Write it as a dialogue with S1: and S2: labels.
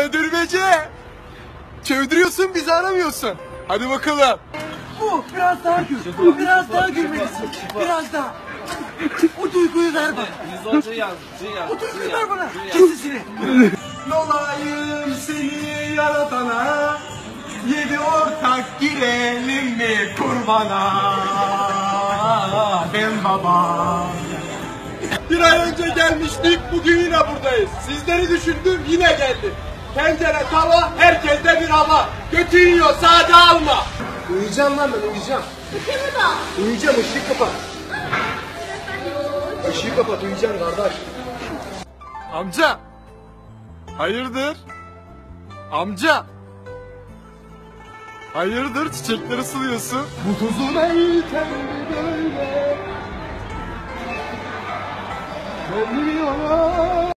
S1: Dürbece. Çövdürüyorsun, bizi aramıyorsun. Hadi bakalım.
S2: Bu biraz daha gül. Biraz daha gülmelisin. Biraz daha. O duyguyu ver bana. O duyguyu ver bana. Kes sesini.
S1: Olayım seni yaratana, yedi ortak girelim mi kurbana? Ben baba. Bir ay önce gelmiştik, bugün yine buradayız. Sizleri düşündüm, yine geldim. Tencere, tava, herkeste bir hava. Götü yiyor, sade alma. Uyuyacağım lan ben, uyuyacağım. Uyuyacağım, ışığı kapat. Işığı kapat, uyuyacağım kardeş. Amca. Hayırdır? Amca. Hayırdır, çiçekleri suluyorsun? Bu tuzun eğiten böyle. Ben biliyorum.